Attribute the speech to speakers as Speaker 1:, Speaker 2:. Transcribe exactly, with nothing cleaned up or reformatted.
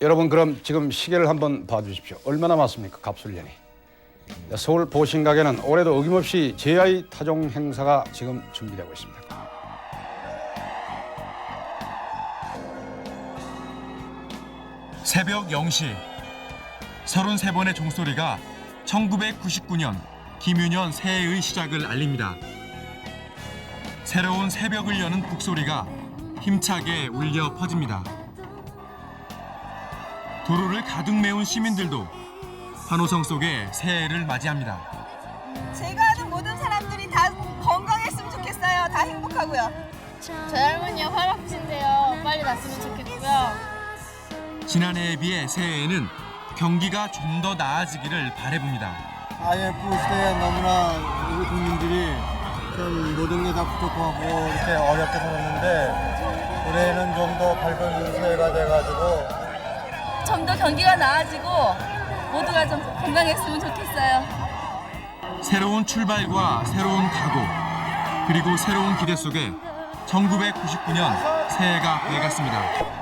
Speaker 1: 여러분 그럼 지금 시계를 한번 봐주십시오. 얼마 남았습니까? 갑술년이. 서울 보신각에는 올해도 어김없이 제아이 타종 행사가 지금 준비되고 있습니다.
Speaker 2: 새벽 영 시 서른세 번의 종소리가 천구백구십구 년 김유년 새해의 시작을 알립니다. 새로운 새벽을 여는 북소리가 힘차게 울려 퍼집니다. 도로를 가득 메운 시민들도 환호성 속에 새해를 맞이합니다.
Speaker 3: 제가 아는 모든 사람들이 다 건강했으면 좋겠어요. 다 행복하고요.
Speaker 4: 저희 할머니가 활박진데요. 빨리 났으면 좋겠고요.
Speaker 2: 지난해에 비해 새해에는 경기가 좀 더 나아지기를 바라봅니다.
Speaker 5: 아이엠에프 시대에 너무나 우리 국민들이 좀 모든 게 다 부족하고 이렇게 어렵게 살았는데 올해는 좀 더 밝은 새해가 돼가지고
Speaker 3: 좀 더 경기가 나아지고 모두가 좀 건강했으면 좋겠어요.
Speaker 2: 새로운 출발과 새로운 각오, 그리고 새로운 기대 속에 천구백구십구 년 새해가 되어갔습니다.